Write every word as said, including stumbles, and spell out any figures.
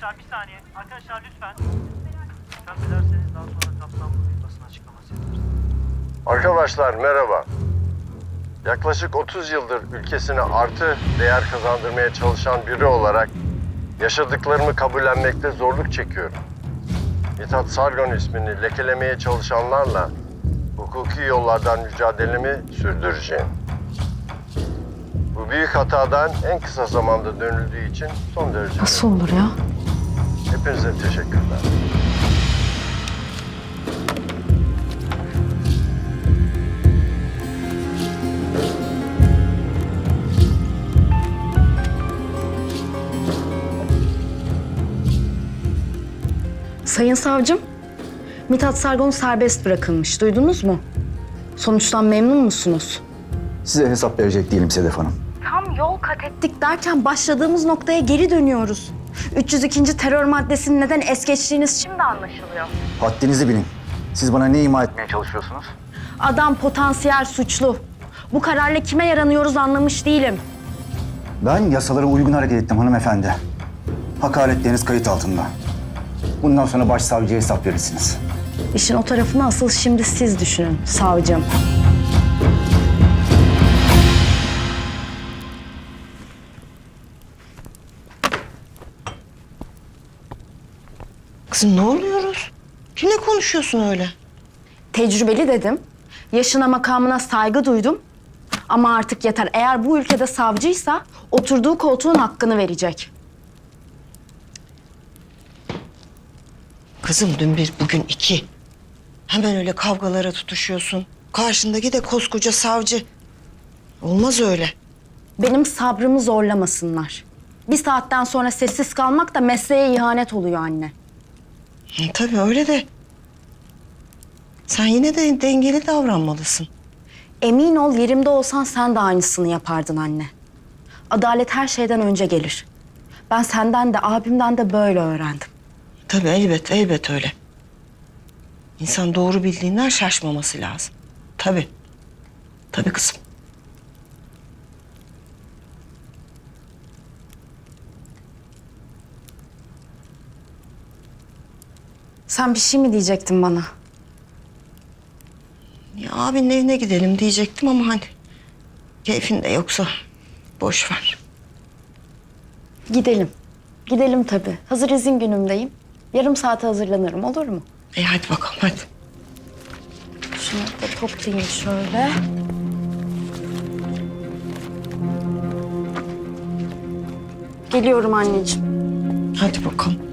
Arkadaşlar bir saniye. Arkadaşlar lütfen. Lütfen dilerseniz daha sonra kapsamlı bir basın açıklaması yaparız. Arkadaşlar merhaba. Yaklaşık otuz yıldır ülkesine artı değer kazandırmaya çalışan biri olarak yaşadıklarımı kabullenmekte zorluk çekiyorum. Mithat Sargon ismini lekelemeye çalışanlarla hukuki yollardan mücadelemi sürdüreceğim. Bu büyük hatadan en kısa zamanda dönüldüğü için son derece... Nasıl olur ya? Hepinize teşekkürler. Sayın savcım, Mithat Sargon serbest bırakılmış. Duydunuz mu? Sonuçtan memnun musunuz? Size hesap verecek değilim Sedef Hanım. Tam yol kat ettik derken başladığımız noktaya geri dönüyoruz. üç yüz ikinci terör maddesinin neden es geçtiğiniz şimdi anlaşılıyor. Haddinizi bilin. Siz bana ne ima etmeye çalışıyorsunuz? Adam potansiyel suçlu. Bu kararla kime yaranıyoruz anlamış değilim. Ben yasalara uygun hareket ettim hanımefendi. Hakaretleriniz kayıt altında. Bundan sonra başsavcıya hesap verirsiniz. İşin o tarafını asıl şimdi siz düşünün savcım. Kızım ne oluyoruz? Kimle konuşuyorsun öyle? Tecrübeli dedim. Yaşına makamına saygı duydum. Ama artık yeter. Eğer bu ülkede savcıysa oturduğu koltuğun hakkını verecek. Kızım dün bir, bugün iki. Hemen öyle kavgalara tutuşuyorsun. Karşındaki de koskoca savcı. Olmaz öyle. Benim sabrımı zorlamasınlar. Bir saatten sonra sessiz kalmak da mesleğe ihanet oluyor anne. Hı, tabii öyle de. Sen yine de dengeli davranmalısın. Emin ol yerimde olsan sen de aynısını yapardın anne. Adalet her şeyden önce gelir. Ben senden de abimden de böyle öğrendim. Tabii elbet, elbet öyle. İnsan doğru bildiğinden şaşmaması lazım. Tabii. Tabii kızım. Sen bir şey mi diyecektin bana? Ya abinin evine gidelim diyecektim ama hani... keyfin de yoksa boş ver. Gidelim. Gidelim tabii. Hazır izin günümdeyim. Yarım saate hazırlanırım olur mu? E hadi bakalım hadi. Şunu da toplayayım şöyle. Geliyorum anneciğim. Hadi bakalım.